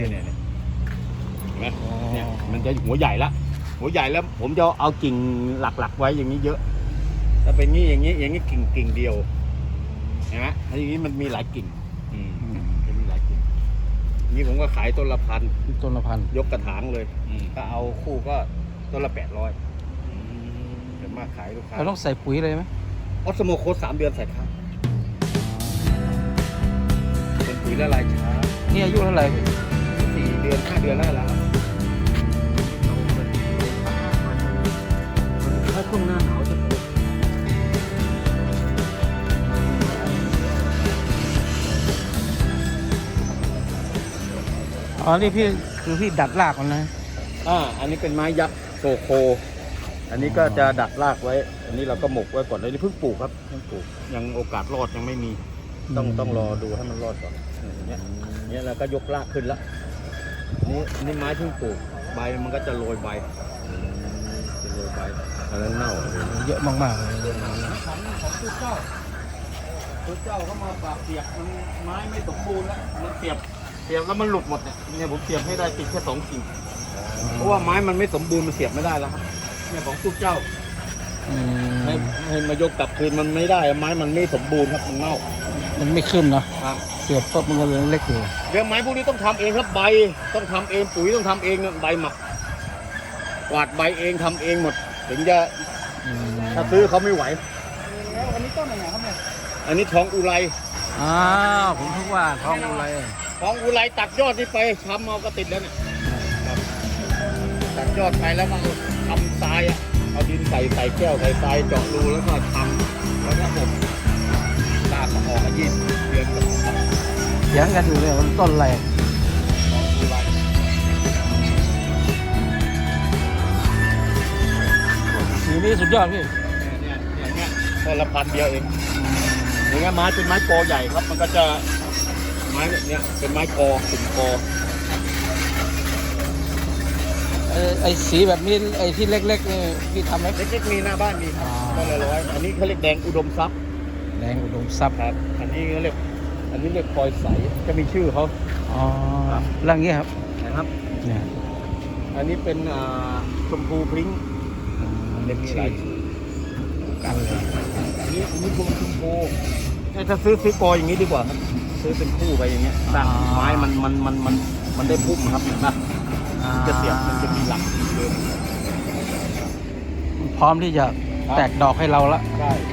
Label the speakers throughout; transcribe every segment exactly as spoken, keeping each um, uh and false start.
Speaker 1: เนี่ยเห็นไหมเนี่ยมันจะหัวใหญ่ละหัวใหญ่แล้วผมจะเอากิ่งหลักๆไว้อย่างนี้เยอะถ้าเป็นงี้อย่างนี้อย่างนี้กิ่งกิ่งเดียวเห็นไหมถ้าอย่างนี้มันมีหลายกิ่งจะมีหลายกิ่งนี่ผมก็ขายต้นละพัน
Speaker 2: ต้นละพัน
Speaker 1: ยกกระถางเลยก็เอาคู่ก็ต้นละแปดร้อยเดี๋ยวมาขายลูกค้า
Speaker 2: เราต้องใส่ปุ๋ยเลยไหม
Speaker 1: ออสโมโคสสามเดือนใส่ครั้งเป็นปุ๋ยละลายช้า
Speaker 2: นี่อายุเท่าไหร่
Speaker 1: สี่เดือนห้าเดือนแล้วแล้วถ้าช่วงหน้าหนาวจะปลูก
Speaker 2: อ๋อนี่พี่คือพี่ดัดรากมันนะ
Speaker 1: อ่าอันนี้เป็นไม้ยักษ์โซโคอันนี้ก็จะดัดรากไว้อันนี้เราก็หมกไว้ก่อนอันนี้เพิ่งปลูกครับเพิ่งปลูกยังโอกาสรอดยังไม่มีต้องต้องรอดูให้มันรอดก่อนอย่างเงี้ยเนี้ยเราก็ยกรากขึ้นแล้วนี่นี่ไม้เพิ่งปลูกใบมันก็จะโรยใบจะโรยใบอันนั้นเน่า
Speaker 2: เยอะมากๆเลย
Speaker 1: ของของตู้เจ้าตู้เจ้าเขามาปราบเสียบมันไม้ไม่สมบูรณ์แล้วมันเสียบเสียบแล้วมันหลุดหมดเนี่ยเนี่ยผมเสียบให้ได้ติดแค่สองกิ่งเพราะว่าไม้มันไม่สมบูรณ์มันเสียบไม่ได้แล้วครับเนี่ยของตู้เจ้าให้ให้มายกกลับคืนมันไม่ได้ไม้มันไม่สมบูรณ์ครับมันเน่า
Speaker 2: มันไม่ขึ้นนะครับเสียบปุ๊บมันก็เลยเล็กอยู่
Speaker 1: เรื่องไม้พวกนี้ต้องทำเองครับใบต้องทำเองปุ๋ยต้องทำเองใบหมักกวาดใบเองทำเองหมดถึงจะถ้าซื้อเขาไม่ไหว
Speaker 2: แล้วอันนี้ต้นอะไรครับเนี่ย
Speaker 1: อันนี้ทองอุไร
Speaker 2: อ้าวผมคิดว่าทองอุไร
Speaker 1: ทองอุไรตัดยอดนี่ไปทำเอาก็ติดแล้วเนี่ยตัดยอดไปแล้วก็ทำทรายอ่ะเอาดินใส่ใส่แก้วใส่ทรายเจาะรูแล้วก็ทำแล้วก็อบลากออกยี่สิบเดือนก็ทำ
Speaker 2: ยังกันอยู่เลยมันต้นอะไร
Speaker 1: ทองอุไร
Speaker 2: สีนี้สุดยอดพี่
Speaker 1: เนี่ยเนี่ยเนี่ยต้นละพันเดียวเองอย่างเงี้ยไม้เป็นไม้กอใหญ่ครับมันก็จะไม้เนี่ยเป็นไม้กอขุ่นกอ
Speaker 2: ไอ้ไอ้สีแบบนี้ไอ้ที่เล็กๆนี่พี่ทำไหม
Speaker 1: เล็กๆมีหน้าบ้านมีก็ละร้อยอันนี้เขาเรียกแดงอุดมทรัพย์
Speaker 2: แดงอุดมทรัพย์
Speaker 1: ครับอันนี้เขาเรียกอันนี้เรียกพลอยใสจะมีชื่อเขา
Speaker 2: อ๋อร่างนี้ครับ
Speaker 1: นะครับ
Speaker 2: เนี่ย
Speaker 1: อันนี้เป็นชมพูพริ้งเรียกมีหลายชื่อกันเลยอันนี้อันนี้พวงชมพูถ้าซื้อซื้อกออย่างนี้ดีกว่าครับซื้อเป็นคู่ไปอย่างเงี้ยสร้างไม้มันมันมันมันมันได้พุ่มครับเห็นไหมจะเสียบมันจะมีหลักเดิม
Speaker 2: พร้อมที่จะแตกดอกให้เราละ
Speaker 1: ใช่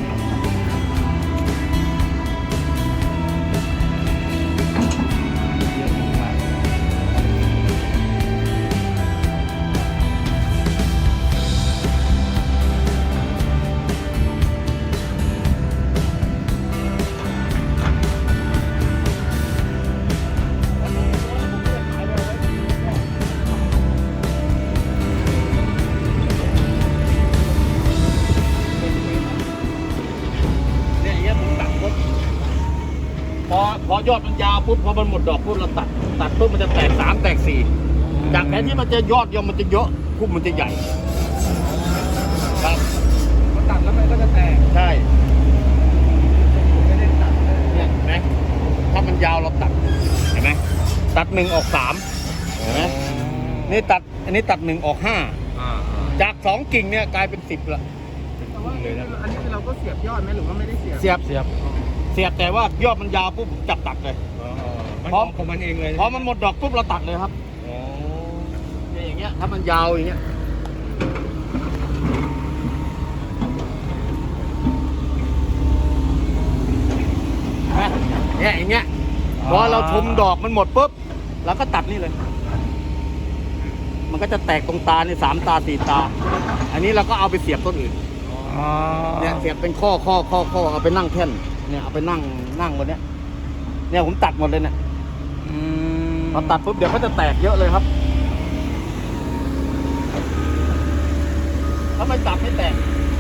Speaker 1: พอพอยอดมันยาวปุ๊บพอมันหมดดอกปุ๊บเราตัดตัดปุ๊บมันจะแตกสามแตกสี่จากแทนที่มันจะยอดเดียวมันจะเยอะพุ่มมันจะใหญ่ครับ
Speaker 2: พอตัดแล้วมันก็จะแตก
Speaker 1: ใช่ไม่ได้ตัดเนี่ยเห็นไหมถ้ามันยาวเราตัดเห็นไหมตัดหนึ่งออกสามเห็นไหมนี่ตัดอันนี้ตัดหนึ่งออกห้าจากสองกิ่งเนี่ยกลายเป็นสิบละ
Speaker 2: แต่ว่าอันนี้เราก็เสียบยอดไหมหรือว่าไม่ได้เสียบ
Speaker 1: เสียบ
Speaker 2: เสียบ
Speaker 1: เสียบแต่ว่ายอดมันยาวปุ๊บจับตัดเลย
Speaker 2: พร้อมของมันเองเลย
Speaker 1: พอมันหมดดอกปุ๊บเราตัดเลยครับเนี่ยอย่างเงี้ยถ้ามันยาวอย่างเงี้ยเนี่ยอย่างเงี้ยพอเราชมดอกมันหมดปุ๊บเราก็ตัดนี่เลยมันก็จะแตกตรงตาในสามตาสี่ตาอันนี้เราก็เอาไปเสียบต้นอื่นเนี่ยเสียบเป็นข้อข้อข้อข้อเอาไปนั่งแท่นเนี่ยเอาไปนั่งนั่งบนเนี้ยเนี่ยผมตัดหมดเลยเนี่ยพอตัดปุ๊บเดี๋ยวเขาจะแตกเยอะเลยครับถ้าไม่ตัดไม่แตก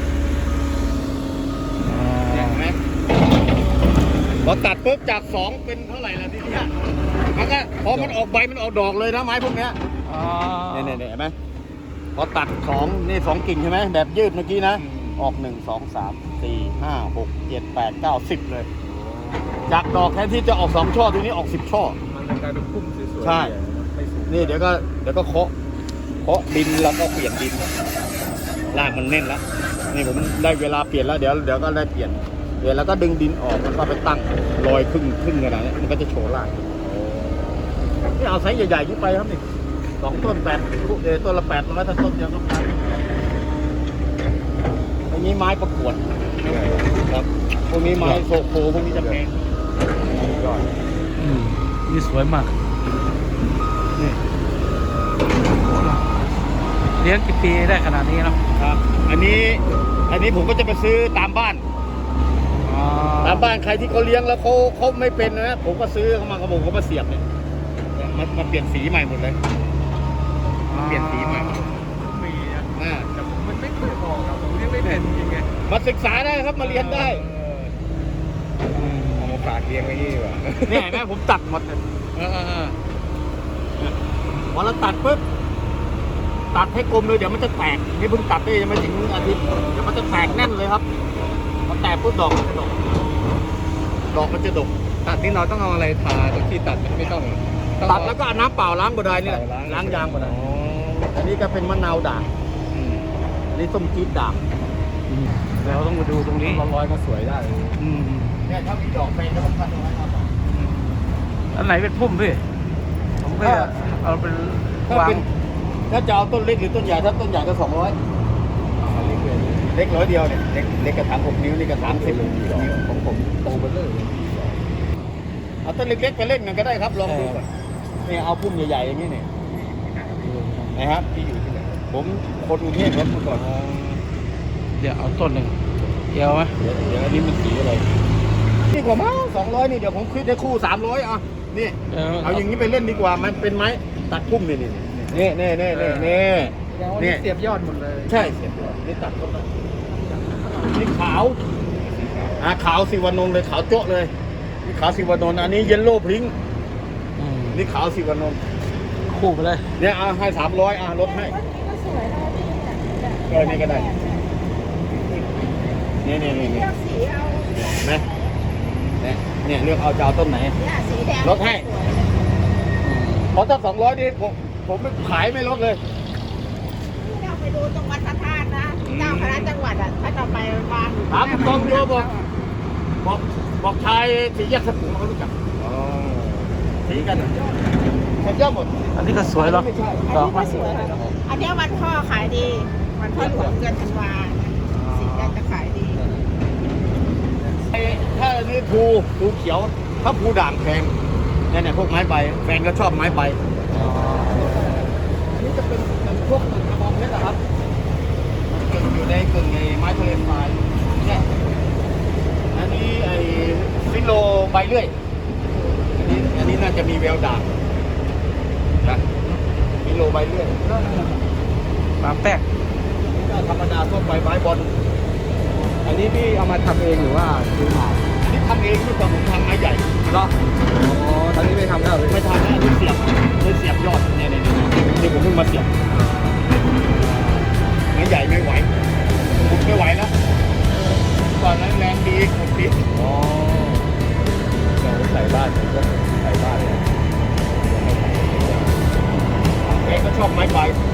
Speaker 1: เห็นไหมพอตัดปุ๊บจากสองเป็นเท่าไหร่ละทีเนี้ยมันก็พอมันออกใบมันออกดอกเลยนะไม้พวกเนี้ยเนี่ยเนี่ยเห็นไหมพอตัดสองนี่สองกิ่งใช่ไหมแบบยืดเมื่อกี้นะออกหนึ่งสองสามสี่ห้าหกเจ็ดแปดเก้าสิบเลยจากดอกแทนที่จะออกสองช่อทีนี้ออกสิบช่อมันกลายเป็นพุ่มสวยใช่
Speaker 3: ไม่สูง
Speaker 1: นี่เดี๋ยวก็เดี๋ยวก็เคาะเคาะดินแล้วก็เปลี่ยนดินรากมันแน่นแล้วนี่ผมได้เวลาเปลี่ยนแล้วเดี๋ยวเดี๋ยวก็ได้เปลี่ยนเปลี่ยนแล้วก็ดึงดินออกแล้วก็ไปตั้งลอยครึ่งครึ่งขนาดนี้มันก็จะโชว์รากนี่เอาไซส์ใหญ่ๆขึ้นไปครับนี่สองต้นแปดเออต้นละแปดร้อยถ้าต้นเดียวก็พันอันนี้ไม้ประกวดครับพวกนี้ไม้โซโคพวกนี้จะแพง
Speaker 3: ยอด
Speaker 2: อืมนี่สวยมาก
Speaker 1: นี่
Speaker 2: เลี้ยงกี่ปีได้ขนาดนี้เนาะ
Speaker 1: ครับ อันนี้อันนี้ผมก็จะไปซื้อตามบ้าน
Speaker 2: อ๋อ
Speaker 1: ตามบ้านใครที่เขาเลี้ยงแล้วเขาเขาไม่เป็นนะผมก็ซื้อเขามาเขาบอกเขามาเสียบเนี่ยมันมันเปลี่ยนสีใหม่หมดเลยเปลี่ยนสีใหม่
Speaker 3: มีนะ
Speaker 1: อ่า
Speaker 3: แต่ผมมันไม่เคยบอกครับผมเรียกไม่เป็นจริงไง
Speaker 1: มาศึกษาได้ครับมาเรียนได้
Speaker 3: เอามาฝากเลี้ยงไว้นี่ดีกว่า
Speaker 1: เนี่ยเห็นไหมผมตัดหมดเลยพอเราตัดปุ๊บตัดให้กลมเลยเดี๋ยวมันจะแตกนี่เพิ่งตัดได้ยังไม่ถึงอาทิตย์เดี๋ยวมันจะแตกแน่นเลยครับพอแตกปุ๊บดอกมันจะดกดอกมันจะดก
Speaker 3: ตัดนี่เราต้องเอาอะไรทาตรงที่ตัดไหมไม่ต้องต้อง
Speaker 1: ตัดแล้วก็เอาน้ำเปล่าล้างบดายนี่แหละล้างยางบดาย
Speaker 3: อ๋อ
Speaker 1: อันนี้ก็เป็นมะนาวด่าง
Speaker 3: อืม
Speaker 1: อันนี้ส้มจี๊ดด่าง
Speaker 2: อืมเราต้องมาดูตรงนี้
Speaker 3: ร้อยๆก็สวยได้
Speaker 2: อืม
Speaker 1: เนี่ยถ้ามีดอกแฟนก็ต้องพันเอาไว้ครับ
Speaker 2: อันไหนเป็นพุ่มพี่ผมก็จะเอาเป็น
Speaker 1: ถ้าว
Speaker 2: าง
Speaker 1: เป็นถ้าจะเอาต้นเล็กหรือต้นใหญ่ถ้าต้นใหญ่ก็สองร้อย
Speaker 3: เล็กเลย
Speaker 1: เล็กร้อยเดียวเนี่ยเล็กเล็กกระถางหกนิ้วนี่กระถางสิบนิ้ว
Speaker 3: ของผมโตเบลเลอร์
Speaker 1: เอาต้นเล็กๆไปเล่นกันก็ได้ครับลองดูก่อนเนี่ยเอาพุ่มใหญ่ๆอย่างนี้เนี่ยนะครับ
Speaker 3: ที่อยู่ที่ไหน
Speaker 1: ผมคนกรุงเทพครับเมื่อก่อน
Speaker 2: เดี๋ยวเอาต้นหนึ่งเดียวไหม
Speaker 1: เดี๋ยวเดี๋ยวอันนี้มันสีอะไรนี่กว่ามั้งสองร้อยนี่เดี๋ยวผมคิดได้คู่สามร้อยอ่ะนี่
Speaker 2: เออ
Speaker 1: เอาอย่างนี้ไปเล่นดีกว่ามันเป็นไม้ตัดพุ่มนี่นี่นี่นี่นี่นี่นี่
Speaker 3: นี่เสียบยอดหมดเลย
Speaker 1: ใช่เสียบด้วยนี่ตัดต้นไม้นี่ขาวอ่าขาวสิวานนท์เลยขาวโจ๊ะเลยนี่ขาวสิวานนท์อันนี้เยลโล่พริ้ง
Speaker 2: อืม
Speaker 1: นี่ขาวสิวานนท์
Speaker 2: คู่ไปเลย
Speaker 1: เนี่ยเอาให้สามร้อยอ่ะลดให้เออนี่ก็ได้นี่นี่นี่นี่นะเนี่ยเนี่ยเลือกเอาจะเอาต้นไหนลดให้เพราะถ้าสองร้อยนี่ผมผมไม่ขายไม่ลดเลย
Speaker 4: เราไปดูตรงวัดพระธาตุนะเจ้าคณะจังหวัดอ่ะถ้าจะไปวาง
Speaker 1: ถามตรงโยบอกบอกบอกชายสีแยกสปูเขารู้จัก
Speaker 3: อ๋อ
Speaker 1: สีกันแค่เยอะหมด
Speaker 2: อันนี้ก็สวยเนาะ
Speaker 1: ไม่ใช่
Speaker 2: ดอก
Speaker 4: ก็
Speaker 2: มัน
Speaker 4: สวยค่ะอันเนี้ยวันพ่อขายดี วันพ่อหลวงเดือนธันวาสีแดงจะขายดี
Speaker 1: ไอ้ถ้าอันนี้ภูภูเขียวถ้าภูด่างแพงเนี่ยเนี่ยพวกไม้ใบแฟนก็ชอบไม้ใบ
Speaker 2: อ๋อ
Speaker 1: อันนี้จะเป็นเป็นพวกกระบองเพชรนะครับมันเกิดอยู่ในกึ่งไอ้ไม้ทะเลทรายเนี่ยอันนี้ไอ้ฟิโลใบเลื่อยอันนี้อันนี้น่าจะมีแววด่างนะฟิโลใบเลื่อย
Speaker 2: มาแป๊ก
Speaker 1: ก็ธรรมดาทั่วไปไม้บอล
Speaker 3: อันนี้พี่เอามาทำเองหรือว่าซื้อมา
Speaker 1: อันนี้ทำเองที่ผมทำไม้ใหญ่
Speaker 3: เหรออ๋อตอนนี้ไม่ทำแล้วเลย
Speaker 1: ไม่ทำนะอันนี้เสียบเลยเสียบยอดเนี่ยเนี่ยเนี่ยนี่ผมเพิ่งมาเสียบไม้ใหญ่ไม่ไหวผมไม่ไหวแล้วก่อนนั้นแรงดีขุดดิน
Speaker 3: อ๋อเราใส่บ้านก็ใส่บ้านเลย
Speaker 1: แกก็ชอบไม้ใบ